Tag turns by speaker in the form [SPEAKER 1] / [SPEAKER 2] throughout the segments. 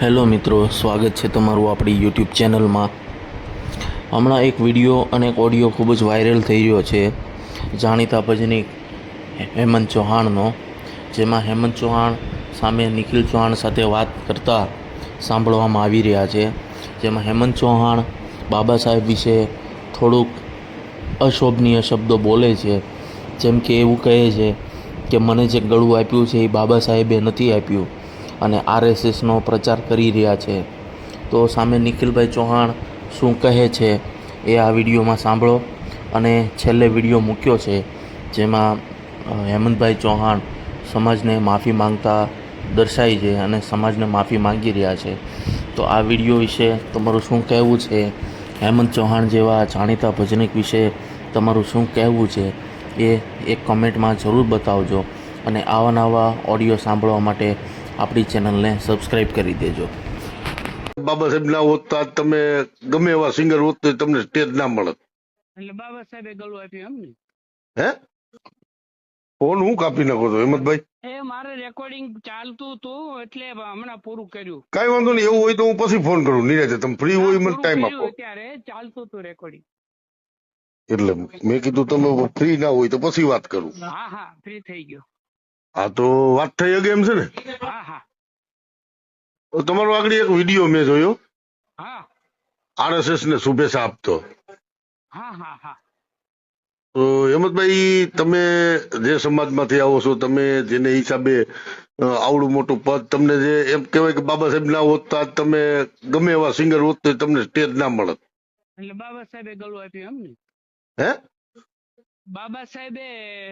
[SPEAKER 1] Hello મિત્રો, સ્વાગત છે તમારું આપણી યુટ્યુબ ચેનલમાં। હમણાં એક વિડીયો અને એક ઓડિયો ખૂબ જ વાયરલ થઈ રહ્યો છે જાણીતા ભજનીક હેમંત ચૌહાણનો, જેમાં હેમંત ચૌહાણ સામે નિખિલ ચૌહાણ સાથે વાત કરતા સાંભળવામાં આવી રહ્યા છે। જેમાં હેમંત ચૌહાણ બાબા સાહેબ વિશે થોડુંક અશોભનીય શબ્દો બોલે છે, જેમ કે એવું કહે છે કે મને જે ગળું આપ્યું છે એ બાબા સાહેબે નથી આપ્યું અને આરએસએસનો પ્રચાર કરી રહ્યા છે। તો સામે નિખિલભાઈ ચૌહાણ શું કહે છે એ આ વિડીયોમાં સાંભળો। અને છેલ્લે વિડીયો મૂક્યો છે જેમાં હેમંતભાઈ ચૌહાણ સમાજને માફી માંગતા દર્શાવી છે અને સમાજને માફી માંગી રહ્યા છે। તો આ વિડીયો વિશે તમારું શું કહેવું છે, હેમંત ચૌહાણ જેવા જાણીતા ભજનિક વિશે તમારું શું કહેવું છે એ એક કમેન્ટમાં જરૂર બતાવજો। અને આવા નવા ઓડિયો સાંભળવા માટે આપણી ચેનલને સબસ્ક્રાઇબ કરી દેજો।
[SPEAKER 2] બાબા સાહેબ ના હોત તો તમે ગમે એવા સિંગર હોત તો તમને સ્ટેજ ના મળત।
[SPEAKER 3] એટલે બાબા સાહેબે ગળું આપ્યું એમ ને?
[SPEAKER 2] હે ફોન હું કાપી નાખો છો હેમંતભાઈ?
[SPEAKER 3] એ મારે રેકોર્ડિંગ ચાલતું હતું એટલે હમણાં પૂરું કર્યું।
[SPEAKER 2] કઈ વાંધો નહીં, એવું હોય તો હું પછી ફોન કરું નિરાતે, તમે ફ્રી હોય મને ટાઈમ આપો।
[SPEAKER 3] ત્યારે ચાલતું હતું રેકોર્ડિંગ,
[SPEAKER 2] એટલે મેં કીધું તમે ફ્રી ના હોય તો પછી વાત કરું।
[SPEAKER 3] હા હા ફ્રી થઈ ગયો।
[SPEAKER 2] હા તો વાત થઈ ગઈ એમ છે ને?
[SPEAKER 3] હા હા
[SPEAKER 2] તો તમારો આગળ એક વિડીયો મેં જોયો,
[SPEAKER 3] હા
[SPEAKER 2] આરએસએસ ને શુભેચ્છા આપતો।
[SPEAKER 3] હા હા હા
[SPEAKER 2] તો હેમંતભાઈ, તમે જે સમાજમાંથી આવો છો, તમે જેને હિસાબે આવડું મોટું પદ, તમને જે એમ કહેવાય કે બાબા સાહેબ ના હોત તો આજ તમે ગમે એવા સિંગર હોત તો તમને સ્ટેજ ના મળત।
[SPEAKER 3] એટલે બાબા સાહેબે ગળું આપ્યું એમ ને?
[SPEAKER 2] હે
[SPEAKER 3] બાબા સાહેબે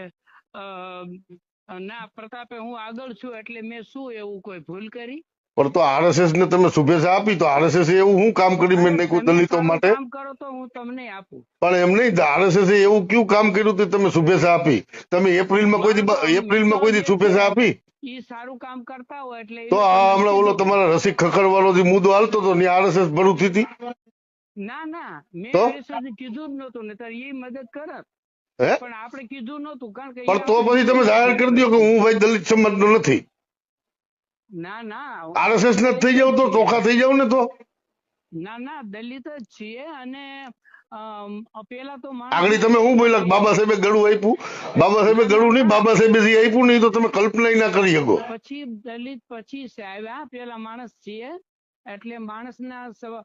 [SPEAKER 3] ના પ્રતાપે હું આગળ છું એટલે મેં શું એવું કોઈ ભૂલ કરી?
[SPEAKER 2] પણ તો આરએસએસ ને તમે શુભેચ્છા આપી તો આરએસએસ એવું શું કામ કરી મેં નહીં કોઈ દલિતો
[SPEAKER 3] સારું
[SPEAKER 2] માટે?
[SPEAKER 3] કામ કરો તો હું તમને આપું,
[SPEAKER 2] પણ એમ નહીં, આરએસએસ એવું કયું કામ કર્યું તો તમે શુભેચ્છા આપી? તમે એપ્રિલમાં કોઈ દી શુભેચ્છા આપી?
[SPEAKER 3] ઈ સારું કામ કરતા હોય એટલે
[SPEAKER 2] તો આ હમણાં ઓલો તમારા રસિક ખખડવાળો જે મુદ્દો હાલતો હતો ને આરએસએસ ભરૂચ હતી?
[SPEAKER 3] ના ના મેં
[SPEAKER 2] તો?
[SPEAKER 3] આરએસએસ કીધું જ નતું, ને તાર એ મદદ કરત
[SPEAKER 2] હે
[SPEAKER 3] પણ આપણે કીધું નતું કારણ કે
[SPEAKER 2] પણ તો પછી તમે જાહેર કરી દો કે હું ભાઈ દલિત સમાજનો નથી,
[SPEAKER 3] ના ના
[SPEAKER 2] આરએસએસ ને થઈ જાવ તો ચોખા થઈ જાવ ને। તો
[SPEAKER 3] ના ના દલિત જ છીએ અને પેલા તો
[SPEAKER 2] આગળ તમે હું બોલ્યા બાબા સાહેબે ગળું આપ્યું? બાબા સાહેબે ગળું નહીં, બાબા સાહેબે જે આપ્યું નહીં તો તમે કલ્પના ના કરી શકો।
[SPEAKER 3] પછી દલિત પછી આવ્યા, પેલા માણસ છીએ એટલે માણસના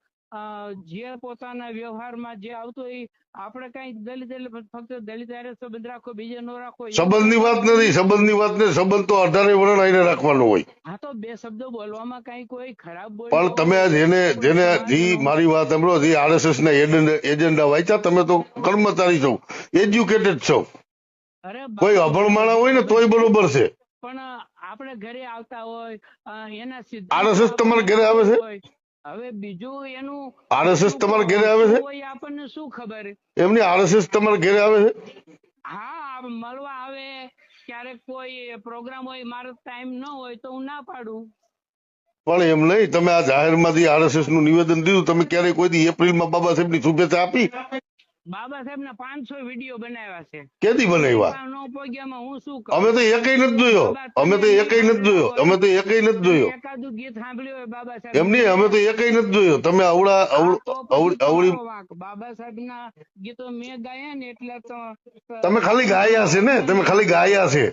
[SPEAKER 3] જે પોતાના વ્યવહારમાં જે આવતું એ આપણે કઈ દલિત એટલે ફક્ત દલિત હારે સંબંધ રાખો, બીજે નો રાખો,
[SPEAKER 2] સંબંધની વાત નથી, સંબંધની વાત ને સંબંધ તો 18 વર્ષ આઈને રાખવાનો હોય।
[SPEAKER 3] હા તો બે શબ્દો બોલવામાં કઈ કોઈ ખરાબ
[SPEAKER 2] પણ તમે જેને મારી વાત સાંભળો, જે આરએસએસ ના એજન્ડા વાંચ્યા, તમે તો કર્મચારી છો, એજ્યુકેટેડ છો,
[SPEAKER 3] અરે
[SPEAKER 2] કોઈ અભણ માણસ હોય ને તોય બરોબર છે।
[SPEAKER 3] પણ આપણે ઘરે આવતા હોય એના
[SPEAKER 2] આરએસએસ તમારા ઘરે આવે છે?
[SPEAKER 3] હવે બીજું એનું
[SPEAKER 2] આરએસએસ તમારા ઘરે આવે છે?
[SPEAKER 3] આપણને શું ખબર?
[SPEAKER 2] એમની આરએસએસ તમારા ઘરે આવે છે?
[SPEAKER 3] હા મળવા આવે, ક્યારેક કોઈ પ્રોગ્રામ હોય, મારો ટાઈમ ન હોય તો હું ના પાડું।
[SPEAKER 2] પણ એમ નહીં, તમે આ જાહેરમાંથી આરએસએસ નું નિવેદન દીધું, તમે ક્યારેય કોઈ દી એપ્રિલમાં બાબા સાહેબ ની શુભેચ્છા આપી?
[SPEAKER 3] બાબા સાહેબ ના 500 વિડીયો બનાવ્યા છે।
[SPEAKER 2] કેદી બનાવ્યા?
[SPEAKER 3] હું શું
[SPEAKER 2] અમે તો એકઈ નથી જોયો, અમે તો એકઈ નથી જોયો, અમે તો એકઈ નથી જોયો।
[SPEAKER 3] એકાદું ગીત સાંભળ્યું હોય બાબા સાહેબ
[SPEAKER 2] એમ નહીં, અમે તો એકઈ નથી જોયો। તમે અવળી
[SPEAKER 3] બાબા સાહેબ ના ગીતો મેં ગાયા ને એટલે તો
[SPEAKER 2] તમે ખાલી ગાયા છે ને, તમે ખાલી ગાયા છે।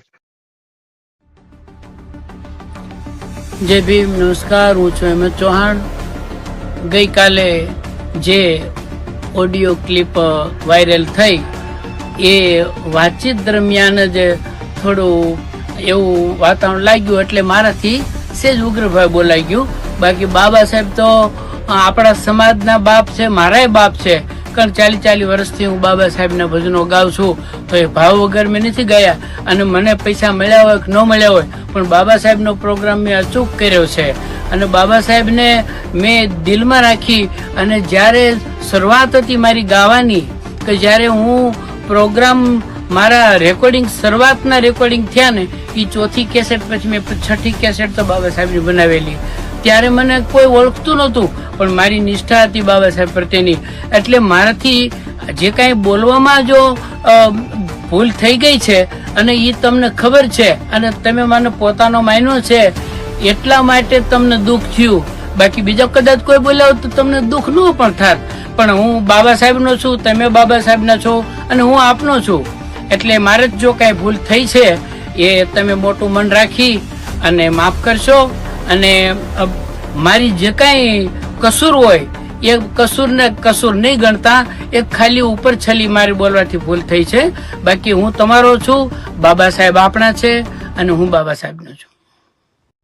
[SPEAKER 4] જય ભીમ, નમસ્કાર, હું છું હેમંત ચૌહાણ। ગઈકાલે જે ઓડિયો ક્લિપ વાયરલ થઈ એ વાતચીત દરમિયાન જ થોડું એવું વાતાવરણ લાગ્યું એટલે મારાથી સેજ ઉગ્રભાઈ બોલાઈ ગયું। બાકી બાબા સાહેબ તો આપણા સમાજના બાપ છે, મારાય બાપ છે, કારણ 40 વર્ષથી હું બાબા સાહેબના ભજનો ગાઉં છું તો એ ભાવ વગર મેં નથી ગયા। અને મને પૈસા મળ્યા હોય કે ન મળ્યા હોય પણ બાબા સાહેબનો પ્રોગ્રામ મેં અચૂક કર્યો છે અને બાબા સાહેબને મેં દિલમાં રાખી। અને જ્યારે શરૂઆત હતી મારી ગાવાની, કે જ્યારે હું પ્રોગ્રામ મારા રેકોર્ડિંગ શરૂઆતના રેકોર્ડિંગ થયા ને એ 4થી કેસેટ પછી મેં 6ઠી કેસેટ તો બાબા સાહેબની બનાવેલી। ત્યારે મને કોઈ ઓળખતું નહોતું પણ મારી નિષ્ઠા હતી બાબા સાહેબ પ્રત્યેની, એટલે મારાથી જે કાંઈ બોલવામાં જો ભૂલ થઈ ગઈ છે અને એ તમને ખબર છે અને તમે મને પોતાનો માન્યો છે એટલા માટે તમને દુઃખ થયું। બાકી બીજો કદાચ કોઈ બોલાવો તો તમને દુઃખ ન પણ થાત, પણ હું બાબા સાહેબનો છું, તમે બાબા સાહેબના છો અને હું આપનો છું, એટલે મારે જ જો કાંઈ ભૂલ થઈ છે એ તમે મોટું મન રાખી અને માફ કરશો. અને મારી જે કાંઈ કસૂર હોય એ કસૂરને કસૂર નહીં ગણતા, એ ખાલી ઉપર છલી મારી બોલવાથી ભૂલ થઈ છે. બાકી હું તમારો છું, બાબા સાહેબ આપણા છે અને હું બાબા સાહેબનો છું.